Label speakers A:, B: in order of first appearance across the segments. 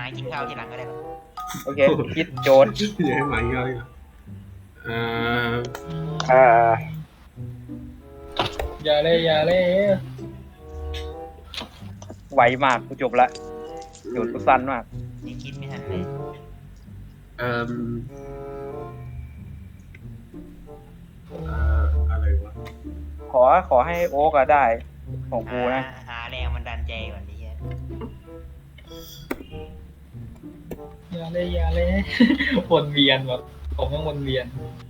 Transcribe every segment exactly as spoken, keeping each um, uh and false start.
A: มากินข้าวทีหลังก็ได้ครับ
B: โอเคคิดโจทย์
C: อย่าให้หมาเยอะเลยเอ่อ
B: อ่า
D: อย่าเลยอย่าเลย
B: ไวมากกูจบละโจทย์กูสั้นมาก
A: ยังคิดไม่ทันเลย
C: เอ่อเอ่ออะไรวะ
B: ขอขอให้โอ๊กอะได้ของกูนะ
A: หาหาแรงมันดันใจก่อนดิเฮีย
D: อย่าเลยอย่าเลยวนเวียนแบบผมต้องวนเวียน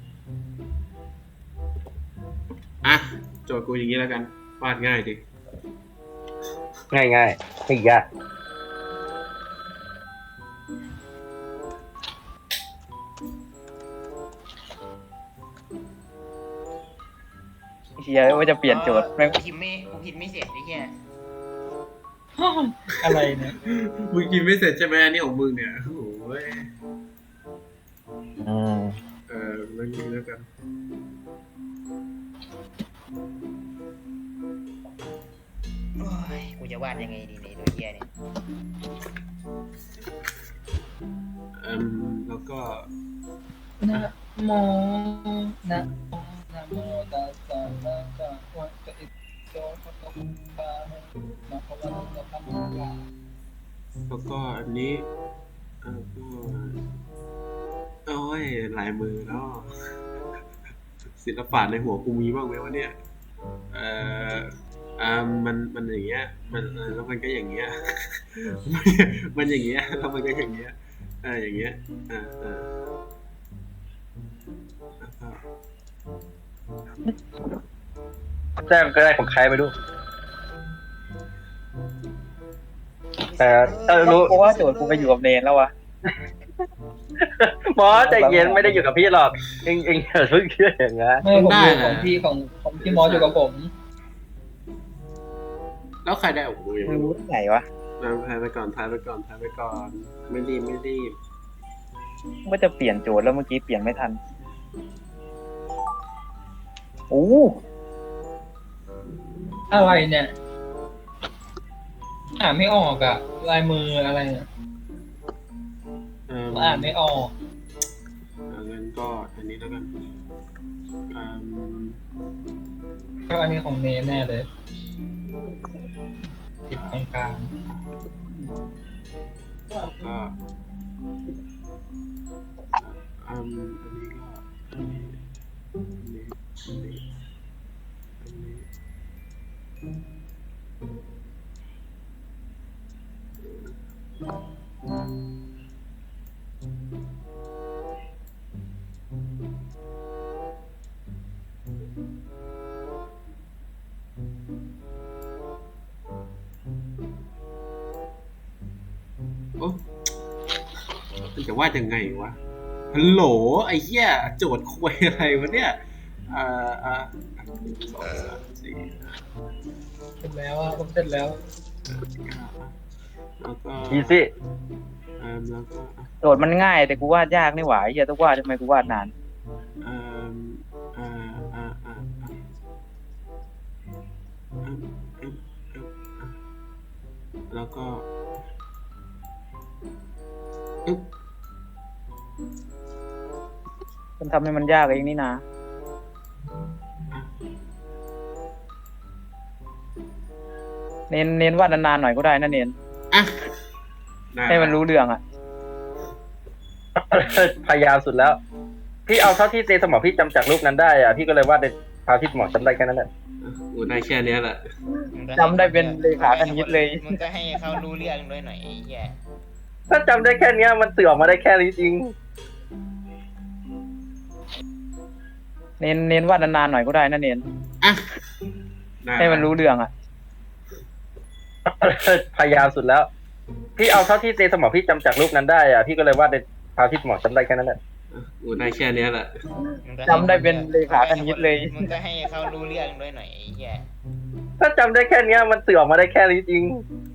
C: อ่ะโจทย์กูอย่างนี้แล้วกันวาดง่ายดิ
E: ง่ายง่ายๆไม่ยาก
B: เฮียว่าจะเปลี่ยนโจทย์แม่ง
A: กูพิมพ์ไม่กูพิมพ์ไม่เสร็จไอ้เฮีย
D: อะไรเนี่ย
C: มึงกินไม่เสร็จใช่ไหมอันนี้ของมึงเนี่ยโอ้ย
E: อืม
C: เออแล้วนี้แล้วกัน
A: โอ้ยกูจะวาดยังไงดีในตัวเฮียเนี่ย
C: เอ่มแล้วก็
D: นะโมนะโมนะโมตัสสะภะคะวะโตอิโตภะคะวะตานะภะคะวะโตธัมมา
C: แล้วก็อันนี้เอ่อก็โอ้ยลายมือเนาะศิลปะในหัวกูมีบ้างไหมวะเนี่ยเอ่ออ่ามันมันอย่างเงี้ยมันเออแล้วมันก็อย่างเงี้ย มันอย่างเงี้ยแล้วมันก็อย่างเงี้ยเอออย่างเงี้ยอ่าอ่าแล้วก็
E: แจ้งก็ได้ของใครไม่รู้แต่เออรู้
B: เพราะว่าโจทย์กูไปอยู่กับเนนแล้ววะ
E: หมอใจเย็นไม่ได้อยู่กับพี่หรอกเองเองอย่าเพิ่งเชื่ออย่างนั้น
D: ไม่ผมดูของพี่ของของพี่มอสอยู่กับผม
C: แล้วใครได้โอ้โหยัง
B: มึ
C: ไม่
B: ง
C: รู้
B: รู้ที่ไหนวะ
C: ทายไปก่อนทายไปก่อนทายไปก่อน ไม่รีบไม่รีบ
B: ว่าจะเปลี่ยนโจทย์แล้วเมื่อกี้เปลี่ยนไม่ทันโอ้
D: อะไรเนี่ยอ่านไม่ออกอะลายมืออะไรเนี่ย
C: เอ่อ
D: อ่านไม่ออก
C: อ่างั้นก็อันนี้แล้วกันอืม
D: ก็อันนี้ของเนแน่เลยติดตรงกลาง
C: แล้วก็อืมอันนี้ก็อันนี้อันนี้อันนี้อันนี้โอ้มันจะวาดยังไงวะฮัลโหลไอ้เหี้ยโจทย์คุยอะไรวะเนี่ยอ่าอ่าหนึ่งสองสามสี่ห้า
D: เสร็จแล้วอะผมเสร็จแล้ว
C: แล้วก็
E: อีซี่
C: เอ่อแล้วก็
B: โจทย์มันง่ายแต่กูวาดยากนี่หว่าไอ้เฮียต้องวาดทำไมกูวาดนาน
C: เอ่ออ่าอ่าอ่าอ่าอ่าอ่าอ่าแล้วก็อึ๊บ
B: มันทำให้มันยากเองนี่นะเน้นเน้นวาดนานๆหน่อยก็ได้นะเน้น
C: อ่ะ
B: ให้มันรู้เรื่องอ่ะ
E: พยายามสุดแล้ว พี่เอาเท่าที่ในสมองพี่จำจากรูปนั้นได้อ่ะพี่ก็เลยว่าในเท่าที่สมองจำได้แค่นั้นแหละ
C: โอ้ได้แค่เนี้ยแหละ
B: จำได้เป็นเลขาคณิตเลย
A: มึงก็ให้เขารู้เรื่องด้วยหน่อยไอ้เฮีย
E: ถ้าจำได้แค่เนี้ยมันสื่อออกมาได้แค่นี้จริง
B: เน้นเน้นวาดนานๆหน่อยก็ได้นะเน้น
C: อ่ะ
B: ให้มันรู้เรื่องอ่ะ
E: พยายามสุดแล้ว พี่เอาเท่าที่ในสมองพี่จำจากรูปนั้นได้อ่ะพี่ก็เลยว่าในเท่าที่สมองจำได้แค่นั้นแหละ
C: โอ้ได้แค่เนี้ยแหละ
B: จำได้เป็นเลขาคณิตเลย
A: มึงก็ให้เขารู้เรื่องด้วยหน่อยไอ้เฮีย
E: ถ้าจำได้แค่เนี้ยมันสื่อออกมาได้แค่นี้จริง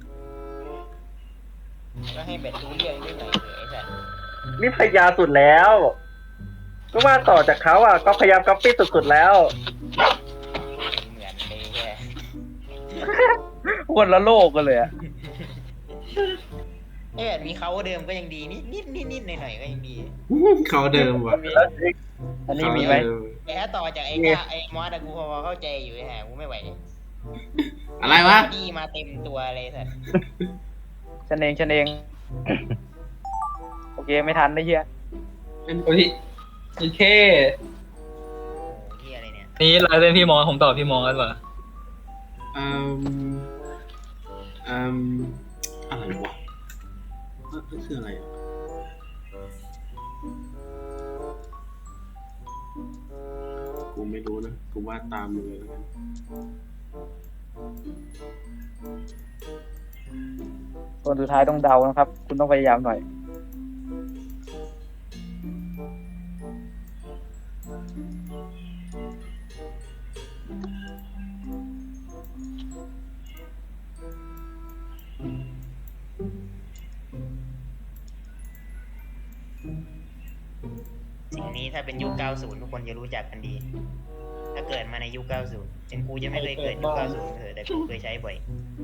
A: ก็ให้แบบรู้เรื่องด้วยหน่อยเถอะไอ้สัส
E: นี่พยายามสุดแล้วก็ว่าต่อจากเขาอ่ะก็พยายามก๊อปปี้สุดๆแล้ว
A: เหมือนเลยเฮีย
B: คนละโลกกันเลยอ่ะ
A: เออมีเขาเดิมก็ยังดีนิดนิดนิดนิดหน่อยหน่อยก็ยังดี
C: เขาเดิมว่ะ
B: มีอันนี้มีไหม
C: เขาเดิ
A: แต่ถ้าต่อจากไอ้ก้าไอ้มอสอะกูพอเข้าใจอยู่ฮะกูไม่ไหวเลย
C: อะไรวะ
A: ดีมาเต็มตัวเลยสัส
B: ฉันเองฉันเองโอเคไม่ทันได้เฮีย
D: โอ้ยโอเค
A: โอ้เฮียอะไรเนี่ย
D: นี่ลายเส้นพี่มอสผมตอบพี่มอสกันว่ะ
C: อืมอืมอะไรวะนั่นคืออะไรอ่ะกูไม่รู้นะ กูวาดตามมึงเลยแล้วกัน
B: คนสุดท้ายต้องเดานะครับ คุณต้องพยายามหน่อย
A: สิ่งนี้ถ้าเป็นยุค เก้าสิบ ทุกคนจะรู้จักกันดี ถ้าเกิดมาในยุค เก้าสิบเป็นกูจะไม่เคยเกิดยุค เก้าสิบเถอะแต่กูเคยใช้บ่อย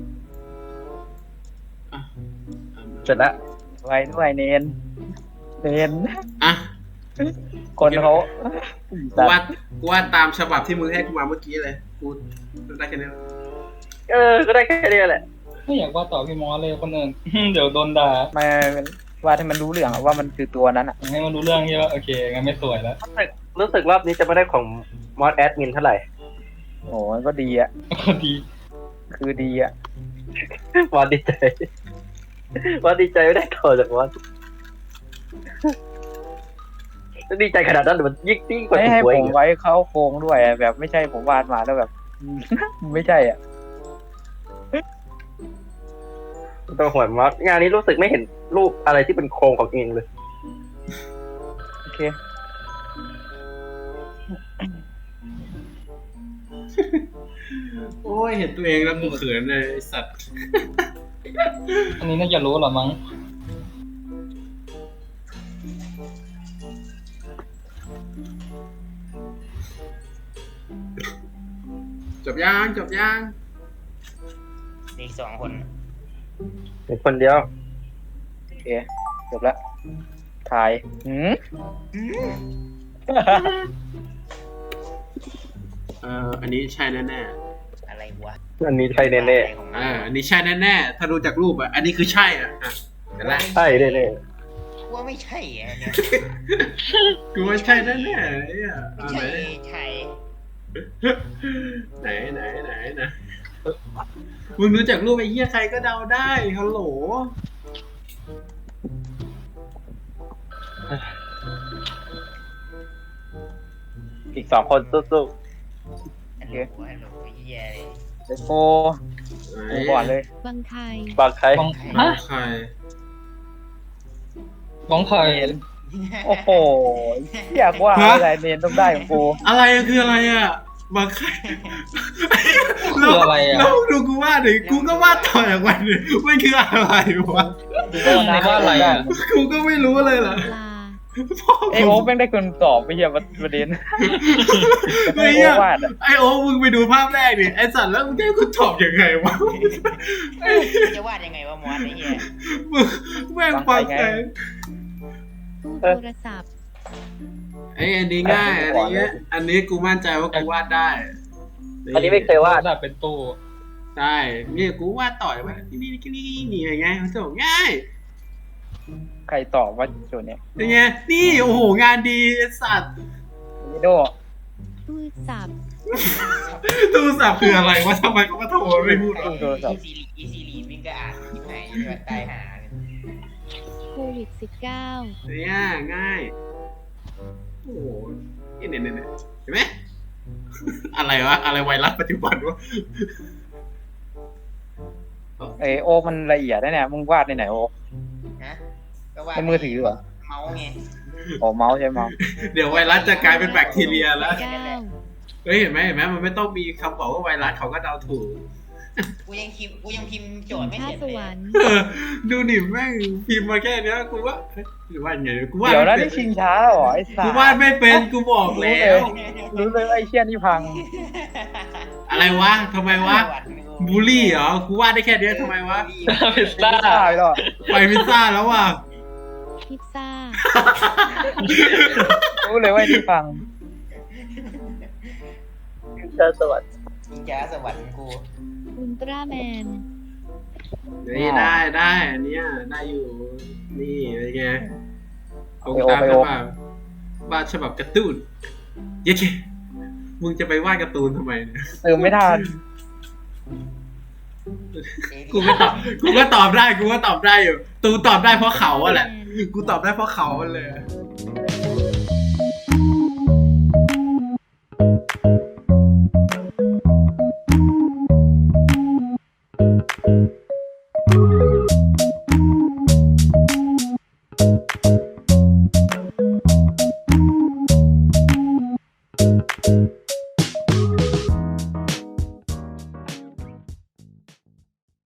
C: อ่ะ
E: เสร็จแล้ว
B: ไว้ด้วยเนนเนน
C: อ่ะ
B: คนเขา
C: กูวาดกูวาดตามฉบับที่มึงให้กูมาเมื่อกี้เลย กูได้แค่นี้
E: เออก็ได้แค่นี้แหละ
D: ไม่อยากว่าต่อพี่มอสเลยคนอื่น เดี๋ยวโดนด่า
B: ไม่ว่าให้มันรู้เรื่องอะว่ามันคือตัวนั้นอะ
D: ให้มันรู้เรื่องใช่ปะโอเคงั้นไม่สวยแล้ว
E: รู้สึกรู้สึกรอบนี้จะไม่ได้ของมอสแอดมินเท่าไหร่
B: โอ้ยก็ดีอะ
D: ดี
B: คือดีอะ
E: มอสดีใจมอสดีใจไม่ได้ต่อจากมอสดีใจขนาดนั้นมันยิ่งยิ่งกว่า
B: ไม่ให้
E: ถูกหวย
B: ผ
E: อี
B: ม
E: ก
B: ไว้เขาโครงด้วยอะแบบไม่ใช่ผมวาดมาแล้วแบบ ไม่ใช่อ่ะ
E: ตัวหวยมอสงานนี้รู้สึกไม่เห็นรูปอะไรที่เป็นโครงของเองเลย
B: โอเค
C: โอ้ย เห็นตัวเองแล้วกูเขินเลยไอ้สัตว์
D: อันนี้น่าจะรู้เหรอมั้ง
C: จบยังจบยัง
A: อีกสองคน
E: เป็นคนเดียว
B: โอเค จบแล้วถ่ายหืม
C: เอ่ออันนี้ใช่แน่
A: อะไรวะ
E: อันนี้ใช่แน่
A: อะไรของ
C: ๆ
A: มัน
C: อ่าอันนี้ใช่แน่ๆถ้าดูจากรูปอ่ะอันนี้คือใช่อ่ะอ่ะเดี๋ยวละ
E: ๆใช่แน่
A: กูว่าไม่ใช่อะเนี่ย
C: กูว่าใช่แน่ๆไอ้อ่ะ
A: ไม่
C: เอา
A: ใช่
C: ไหน
A: ใช่
C: ไหนไหนไหนไหนมึงรู้จักรูปไอ้เหี้ยใครก็เดาได้ฮัลโหล
E: ๆอีกสองคนสู้
A: ฮัลโหลฮัลโหลเฮียเลย
B: เดี๋ยวโฟกูก่อนเลย
F: บางไทย
E: ๆบางใคร
D: บ้อง
C: น้อ
D: ฮะ
C: งใคร
D: บ้องใคร
B: โอ้โหอยากว่าอะไรเนนต้องได้ของกู
C: อะไรอะคืออะไรอ่ะบางใคร
D: คืออะไรอ่ะ
C: แล้วดูกูวาดดิกูก็วาดต่อจากมันดิมันคืออะไรวะ
D: ในว่าอะไรอ่ะ
C: กูก็ไม่รู้เลยล่ะ
F: ปลา
C: พ่อ
B: ไอโอ๊คแม่งได้คนตอบไปเหี้ยประเด็น
C: ไอ้
B: ไอ
C: เหี้
B: โอ๊
C: ย
B: ควาดอะ
C: ไอโอ้มึงไปดูภาพแรกดิไอสัตว์แล้วมึงจะให้กูตอบยังไงวะไอ้
A: จะวาดยังไงวะมอสไอ้เหี้ย
C: มึงแม่งฟังแต่
F: ตู้โทรศัพท์
C: ไอ้อันนี้ง่ายอันนี้ อันนี้กูมั่นใจว่ากูวาดได้
E: อันนี้ไม่เคยวาด
D: ระดับเป็นตู้
C: ใช่นี่กูวาดต่อยมานี่นี่นี่นี่นี่ไงมันจะบอกง่าย
B: ใครตอบว่าโจทย์เนี้ย
C: เป็นไงนี่โอ้โหงานดีไอ้สัตว์
B: วิโด
F: ตู้สับ
C: โทรศัพท์คืออะไรวะทำไมเขามาโทรไม่พูดวะ
B: ตู้โทรศัพ
A: อี
B: ท์
A: ซีรีอีซีรีวิ่งก็อ่านที่ไหนที่ว่าตายหาเลย
F: โควิดสิบเก้า
C: เนี่ยง่ายโอ้โหนี่เนี่ยเนี่ยเห็นไหมอะไรวะอะไรไวรัสปัจจุบันวะ
B: ไอโอ๊คมันละเอียดนะเนี่ยมึงวาดในไหนโอ๊ค
A: ฮะก็วาด
B: ในมือถือเหรอ
A: เมาส์ไง
B: อ๋อเมาส์ใช่เมาส์
C: เดี๋ยวไวรัสจะกลายเป็นแบคทีเรียแล้ว
F: เก้า
C: เฮ้ยเห็นไหมเห็นไหมมันไม่ต้องมีคำบอกว่าไวรัสเขาก็เดาถูก
A: กูยังพิมพ์กูยังพิมพ์โจทย์ไม่
F: ท่า
A: เสร็จ
F: ส
A: เล
F: วย รรค์
C: เออดูดิแม่งพิมพ์มาแค่เนี้ยกูว่าเฮ้ยหรือว่าไงกูว่า
B: เดี๋ยวนะ
C: ไม่
B: นี่
C: เป็น
B: ชิงช้าเหรอไอ้สั
C: กู
B: ส
C: วาดไม่เป็นกูบอกแล้ว
B: รู้เลยว่าไอ้เชี่ยนี่พัง
C: อะไรวะทำไมวะ
A: วัดไม่รู้
C: บูลลี่เหรอ กูวาดได้แค่เนี้ยทำไมวะ
D: พิซซ่า
B: ตายแล้วอะ
C: ไปพิซซ่าแล้วว่ะ
F: พิซซ่า
B: รู้เลยว่าที่ฟัง
E: เจ้าสวัสดิ์
A: จิงจ้าสวรรค์กู
F: อุลตร้าแมน
C: นี่ได้ได้อันเนี้ยได้อยู่ นี่เป็นไงเอา
B: ไปโอ
C: ตาม
B: ไป
C: ฉ
B: โอ
C: บับวาดฉบับการ์ตูนเย้เคมึงจะไปวาดการ์ตูนทำไมเนี่ย
B: เติมไม่ทัน
C: กูก็ตอบกูก็ตอบได้ กูก็ตอบได้อยู่ ตูตอบได้เพราะเขาอะแหละ กูตอบได้เพราะเขาเลย
F: อ